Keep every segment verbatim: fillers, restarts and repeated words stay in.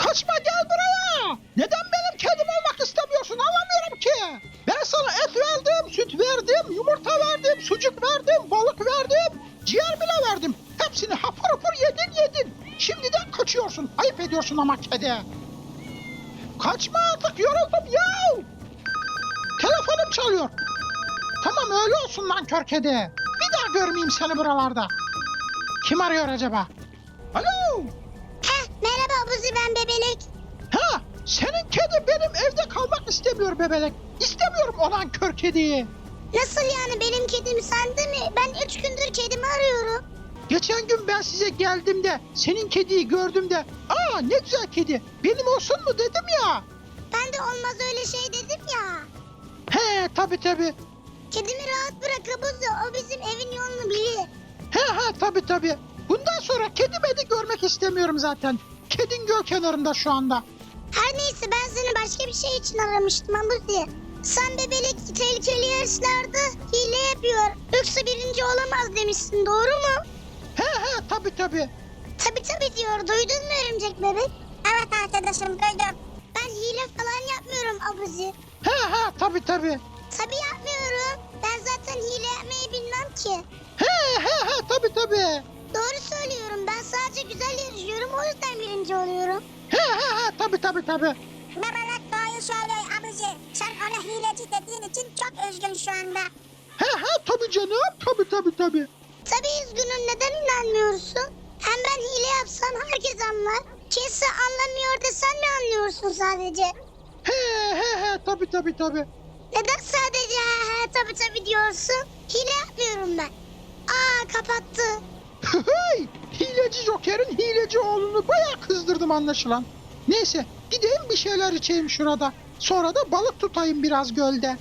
Kaçma, gel buraya. Neden benim kedim olmak istemiyorsun, anlamıyorum ki. Ben sana et verdim, süt verdim, yumurta verdim, sucuk verdim, balık verdim, ciğer bile verdim. Hepsini hapur hapur yedin yedin. Şimdiden kaçıyorsun. Ayıp ediyorsun ama kedi. Kaçma artık, yoruldum ya. Telefonum çalıyor. Tamam, öyle olsun lan kör kedi. Bir daha görmeyeyim seni buralarda. Kim arıyor acaba? Alo. Heh, merhaba Abuzi, ben Bebelek. Ha, senin kedi benim evde kalmak istemiyor bebelek. İstemiyorum olan kör kediyi. Nasıl yani, benim kedim sende mi? Ben üç gündür kedimi arıyorum. Geçen gün ben size geldiğimde senin kediyi gördüm de aa ne güzel kedi benim olsun mu dedim ya. Ben de olmaz öyle şey dedim ya. He tabi tabi. Kedimi rahat bırak Abuzi, o bizim evin yolunu bilir. He he tabi tabi. Bundan sonra kedi bedi görmek istemiyorum zaten. Kedin göl kenarında şu anda. Her neyse, ben seni başka bir şey için aramıştım Abuzi. Sen Bebelek tehlikeli yarışlarda hile yapıyor, yoksa birinci olamaz demişsin, doğru mu? He he tabi tabi. Tabi tabi diyor, duydun mu örümcek bebek? Evet arkadaşım, duydum. Ben hile falan yapmıyorum Abuzi. He he tabi tabi. Tabi yapmıyorum. Ben zaten hile yapmayı bilmem ki. He he he tabi tabi. Doğru söylüyorum. Ben sadece güzel yarışıyorum. O yüzden birinci oluyorum. He he he tabi tabi tabi. Bebelek doğru söylüyor abici. Sen ona hileci dediğin için çok üzgün şu anda. He he tabi canım tabi tabi tabi. Tabii üzgünüm. Neden inanmıyorsun? Hem ben hile yapsam herkes anlar. Kimse anlamıyor desen mi anlıyorsun sadece? He he he tabi tabi tabi. Neden sadece he he tabii tabii diyorsun? Hile yapmıyorum ben. Aa, kapattı. Hey, hileci Joker'in hileci oğlunu bayağı kızdırdım anlaşılan. Neyse gideyim bir şeyler içeyim şurada. Sonra da balık tutayım biraz gölde.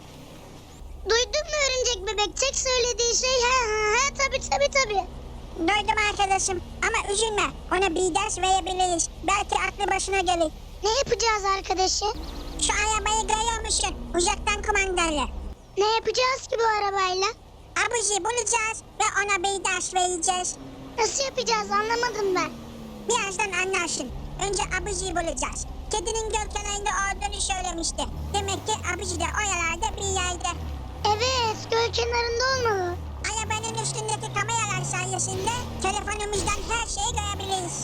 Duydun mu örümcek bebek? Tek söylediği şey he he he tabii tabii tabii. Duydum arkadaşım ama üzülme. Ona bir ders verebiliriz. Belki aklı başına gelir. Ne yapacağız arkadaşım? Şu arabayı görüyor musun? Uzaktan kumandalı. Ne yapacağız ki bu arabayla? Abuzi bulacağız ve ona bir ders vereceğiz. Nasıl yapacağız, anlamadım ben. Birazdan anlarsın. Önce Abuzi'yi bulacağız. Kedinin göl kenarında olduğunu söylemişti. Demek ki Abuzi de oralarda bir yerde. Evet, göl kenarında olmalı. Arabanın üstündeki kameralar sayesinde telefonumuzdan her şeyi görebiliriz.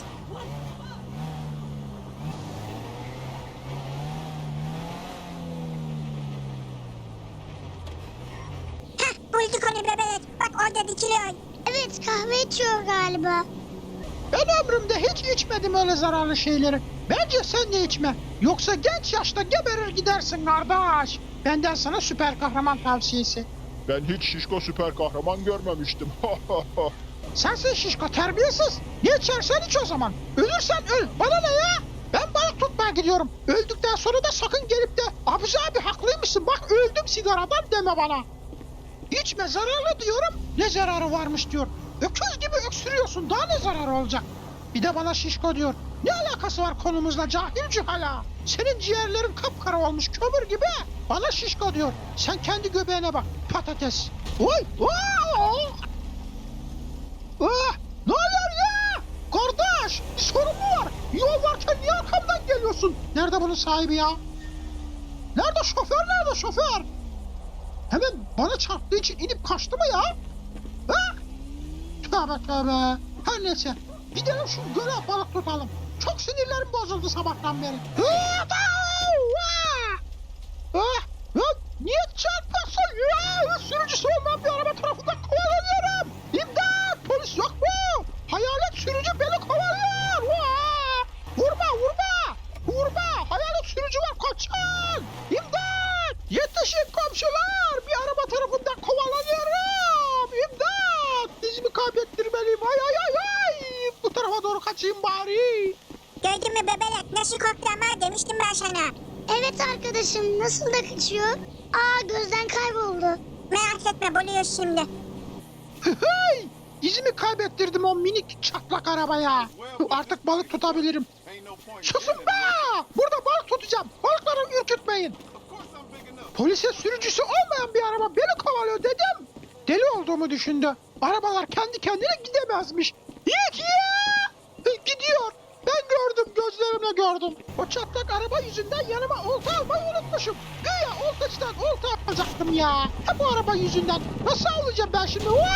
Heh, bulduk onu bebek. Bak orada dikiliyor. Evet, kahve içiyor galiba. Ben ömrümde hiç içmedim öyle zararlı şeyleri. Bence sen de içme. Yoksa genç yaşta geberir gidersin kardeş. Benden sana süper kahraman tavsiyesi. Ben hiç şişko süper kahraman görmemiştim. Sensin şişko, terbiyesiz. Ne içersen iç o zaman. Ölürsen öl. Bana ne ya? Ben balık tutmaya gidiyorum. Öldükten sonra da sakın gelip de Abuzi abi haklıymışsın bak öldüm sigaradan deme bana. İçme, zararlı diyorum. Ne zararı varmış diyor. Öküz gibi öksürüyorsun, daha ne zararı olacak? Bir de bana şişko diyor. Ne alakası var konumuzla cahil cühala? Senin ciğerlerin kapkara olmuş kömür gibi. Bana şişko diyor. Sen kendi göbeğine bak patates. Oy! Oh! Ah! Ne oluyor ya? Kardeş, bir sorun mu var? Yol varken niye arkamdan geliyorsun? Nerede bunun sahibi ya? Nerede şoför, nerede şoför? Hemen bana çarptığı için inip kaçtı mı ya? Ha? Tövbe tövbe. Her neyse. Gidelim şu göle balık tutalım. Çok sinirlerim bozuldu sabahtan beri. Ah! Ah! Ah! Niye çarpıyorsun ya? Sürücüsü olmayan bir araba tarafından kovalanıyorum. İmdat! Polis yok mu? Hayalet sürücü beni kovalıyor. Vaa! Vurma vurma! Vurma! Hayalet sürücü var, kaçın! İmdat! Yetişin komşular! Bir araba tarafından kovalanıyorum! İmdat! Dizimi kaybettirmeliyim. Ay ay ay ay! Bu tarafa doğru kaçayım bari. Gördün mü bebelek, nasıl korktu ama demiştim ben sana. Evet arkadaşım, nasıl da kaçıyor? Aa, gözden kayboldu. Merak etme, buluyoruz şimdi. Hey! İzimi kaybettirdim o minik çatlak arabaya. Artık balık tutabilirim. Susun be! Burada balık tutacağım. Balıkları ürkütmeyin. Polise sürücüsü olmayan bir araba beni kovalıyor dedim. Deli olduğumu düşündü. Arabalar kendi kendine gidemezmiş. Yek ya! Gidiyor. Ben gördüm, gördüm. gözlerimle gördüm. O çatlak araba yüzünden yanıma olta almayı unutmuşum. Güya oltacıdan olta alacaktım ya. Hep bu araba yüzünden. Nasıl alacağım ben şimdi? Wow!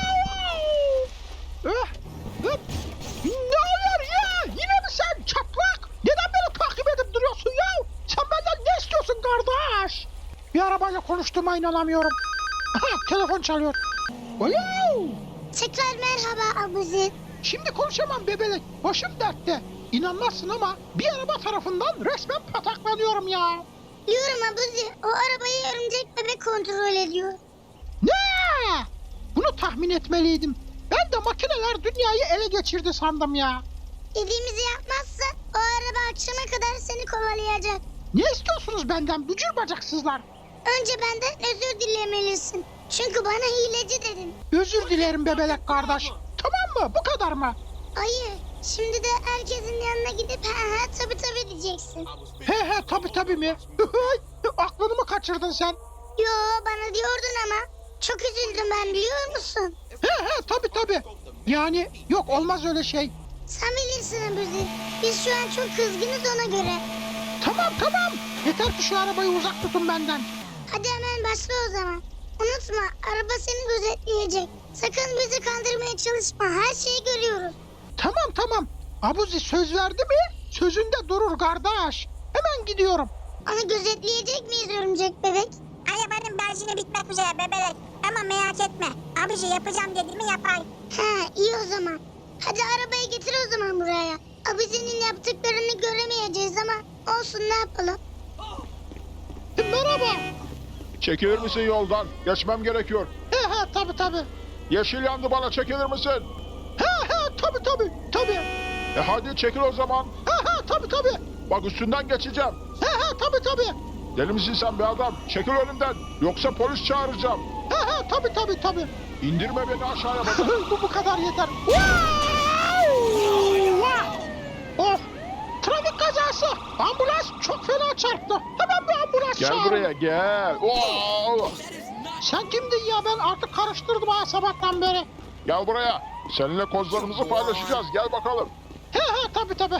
Eh, eh. Ne oluyor ya? Yine mi sen çatlak? Neden beni takip edip duruyorsun ya? Sen benden ne istiyorsun kardeş? Bir arabayla konuştuğuma inanamıyorum. Aha, telefon çalıyor. Alo! Tekrar merhaba Abuzi. Şimdi konuşamam bebelek. Başım dertte. İnanmazsın ama bir araba tarafından resmen pataklanıyorum ya. Diyorum Abuzi, o arabayı örümcek bebek kontrol ediyor. Ne? Bunu tahmin etmeliydim. Ben de makineler dünyayı ele geçirdi sandım ya. Dediğimizi yapmazsa o araba akşama kadar seni kovalayacak. Ne istiyorsunuz benden bücür bacaksızlar? Önce benden özür dilemelisin. Çünkü bana hileci dedin. Özür dilerim bebelek kardeş. Tamam mı? Bu kadar mı? Hayır, şimdi de herkesin yanına gidip ha ha tabi tabi diyeceksin. He he tabi tabi mi? Aklını mı kaçırdın sen? Yo, bana diyordun ama. Çok üzüldüm ben, biliyor musun? He he tabi tabi. Yani yok olmaz öyle şey. Sen bilirsin Abuzi. Biz şu an çok kızgınız ona göre. Tamam tamam. Yeter ki şu arabayı uzak tutun benden. Hadi hemen başla o zaman. Unutma, araba seni gözetleyecek. Sakın bizi kandırmaya çalışma. Her şeyi görüyoruz. Tamam tamam. Abuzi söz verdi mi? Sözünde durur kardeş. Hemen gidiyorum. Onu gözetleyecek miyiz örümcek bebek? Arabanın benzini bitmek üzere bebelek. Ama merak etme. Abici yapacağım dediğimi yapar. Ha, iyi o zaman. Hadi arabayı getir o zaman buraya. Abicinin yaptıklarını göremeyeceğiz ama olsun, ne yapalım. Merhaba. Çekilir misin yoldan? Geçmem gerekiyor. He he tabi tabi. Yeşil yandı, bana çekilir misin? He he tabi tabi tabi. E hadi çekil o zaman. He he tabi tabi. Bak üstünden geçeceğim. He he tabi tabi. Deli misin sen be adam? Çekil önümden. Yoksa polis çağıracağım. He he tabi tabi tabi. İndirme beni aşağıya bak. bu bu kadar yeter. Wow! Oh! Trafik kazası. Ambulans çok fena çarptı. Hemen bir ambulans Gel çağırın. buraya gel. Oo! Sen kimdin ya? Ben artık karıştırdım ha sabahtan beri. Gel buraya. Seninle kozlarımızı paylaşacağız. Gel bakalım. He he tabi tabi.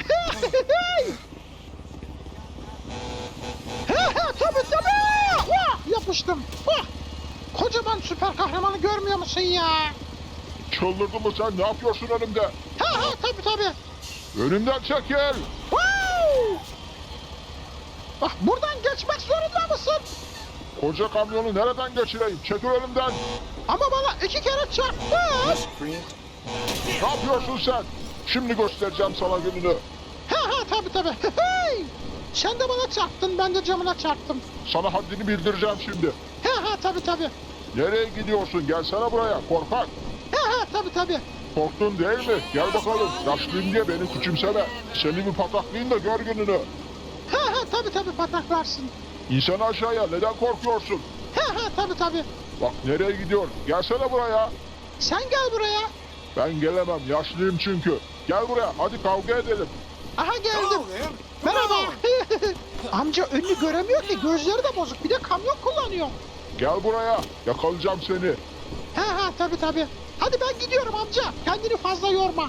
He he tabi tabi. Vah yapıştım. Vah. Kocaman süper kahramanı görmüyor musun ya? Çıldırdın mı sen? Ne yapıyorsun önümde? He he tabi tabi. Önümden çekil. Wow. Bak buradan geçmek zorunda mısın? Koca kamyonu nereden geçireyim? Çekil önümden. Ama bana iki kere çarptı. Ne yapıyorsun sen? Şimdi göstereceğim sana gününü. He he tabi tabi. Hey! Sen de bana çarptın, ben de camına çarptım. Sana haddini bildireceğim şimdi. He he tabi tabi. Nereye gidiyorsun? Gelsene buraya korkak. He he tabi tabi. Korktun değil mi? Gel bakalım. Yaşlıyım diye beni küçümseme. Seni bir pataklayayım da gör gününü. He he tabi tabi pataklarsın. İnsan aşağıya, neden korkuyorsun? He he tabi tabi. Bak nereye gidiyor? Gelsene buraya. Sen gel buraya. Ben gelemem. Yaşlıyım çünkü. Gel buraya. Hadi kavga edelim. Aha geldim. Merhaba. Amca önünü göremiyor ki, gözleri de bozuk. Bir de kamyon kullanıyor. Gel buraya. Yakalayacağım seni. He he tabi tabi. Hadi ben gidiyorum amca. Kendini fazla yorma.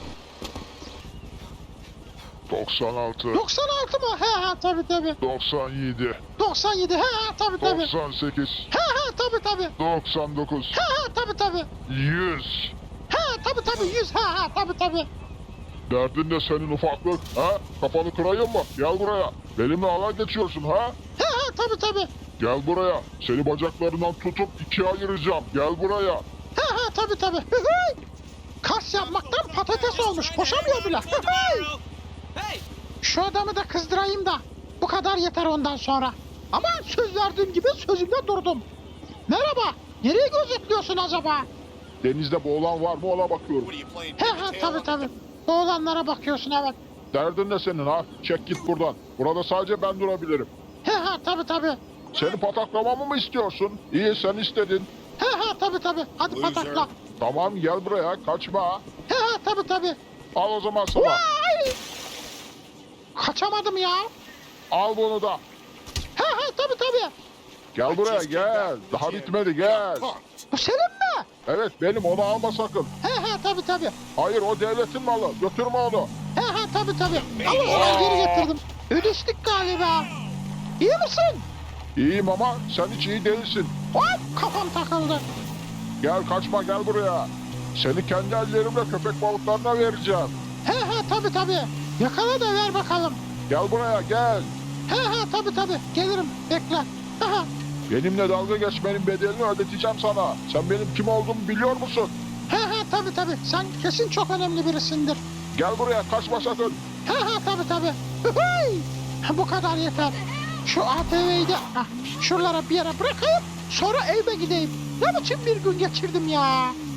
doksan altı. doksan altı mı? He he tabi tabi. doksan yedi. doksan yedi. He he tabi tabi. doksan sekiz. He he tabi tabi. doksan dokuz. He he tabi tabi. yüz. He tabi tabi yüz. He he tabi tabi. Derdin ne senin ufaklık? Ha? Kafanı kırayım mı? Gel buraya. Benimle alay geçiyorsun ha? He he tabi tabi. Gel buraya. Seni bacaklarından tutup ikiye ayıracağım. Gel buraya. He he tabi tabi. Kas yapmaktan patates olmuş. Koşamıyor bile. Şu adamı da kızdırayım da. Bu kadar yeter ondan sonra. Ama söz verdiğim gibi sözümde durdum. Merhaba. Nereye gözetliyorsun acaba? Denizde boğulan var mı ona bakıyorum. He he tabi tabi. Oğlanlara bakıyorsun evet. Derdin ne senin ha? Çek git buradan. Burada sadece ben durabilirim. He he tabi tabi. Seni pataklamamı mı istiyorsun? İyi sen istedin. He he tabi tabi. Hadi patakla. Tamam gel buraya kaçma. He he tabi tabi. Al o zaman sana. Vay! Kaçamadım ya. Al bunu da. He he tabi tabi. Gel buraya gel. Daha bitmedi gel. Bu senin mi? Evet benim, onu alma sakın. He he tabi tabi. Hayır o devletin malı. Götürme onu. He he tabi tabi. Al o zaman geri getirdim. Ödeştik galiba. İyi misin? İyiyim ama sen hiç iyi değilsin. Hop kafam takıldı. Gel kaçma gel buraya. Seni kendi ellerimle köpek balıklarına vereceğim. He he tabi tabi. Yakala da ver bakalım. Gel buraya gel. He he tabi tabi. Gelirim bekle. Aha. Benimle dalga geçmenin bedelini ödeteceğim sana. Sen benim kim olduğumu biliyor musun? He he tabi tabi. Sen kesin çok önemli birisindir. Gel buraya kaçma sakın. He he tabi tabi. Hıhıy! Bu kadar yeter. Şu A T V'yi de ah, şuralara bir yere bırakayım. Sonra evime gideyim. Ne biçim bir gün geçirdim ya.